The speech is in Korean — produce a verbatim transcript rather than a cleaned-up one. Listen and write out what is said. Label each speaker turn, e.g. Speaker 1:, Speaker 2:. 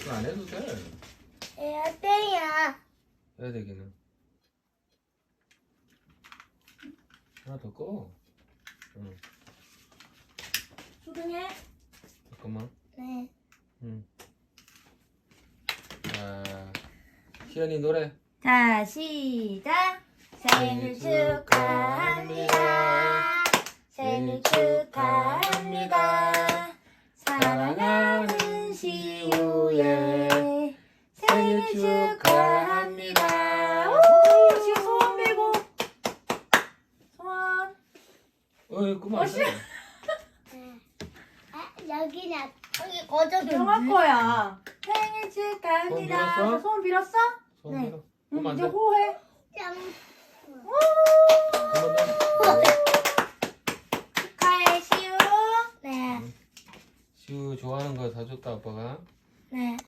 Speaker 1: 그거 안 해도 돼.
Speaker 2: 해야 돼요.
Speaker 1: 해야 되기는. 하나 더 꺼. 응.
Speaker 3: 수등해.
Speaker 1: 잠깐만.
Speaker 2: 네.
Speaker 1: 응. 자, 희연이 노래.
Speaker 3: 자, 시작. 생일 축하합니다. 생일 축하합니다. 사랑하는 시우의 생일 축하합니다. 오, 지금 소원 빌고. 소원.
Speaker 1: 어이, 그만.
Speaker 3: 어, 씨.
Speaker 2: 네. 아, 여기는 여기 거저도
Speaker 3: 정할 거야. 생일
Speaker 1: 소원
Speaker 3: 축하합니다.
Speaker 1: 빌었어?
Speaker 3: 소원 빌었어?
Speaker 1: 손
Speaker 3: 네.
Speaker 1: 밀어.
Speaker 3: 응,
Speaker 1: 그만
Speaker 3: 이제
Speaker 1: 돼.
Speaker 3: 호해.
Speaker 2: 짱.
Speaker 3: 오!
Speaker 1: 한번 더.
Speaker 3: 축하해, 시우.
Speaker 2: 네.
Speaker 1: 시우 좋아하는 거 사줬다, 아빠가.
Speaker 2: 네.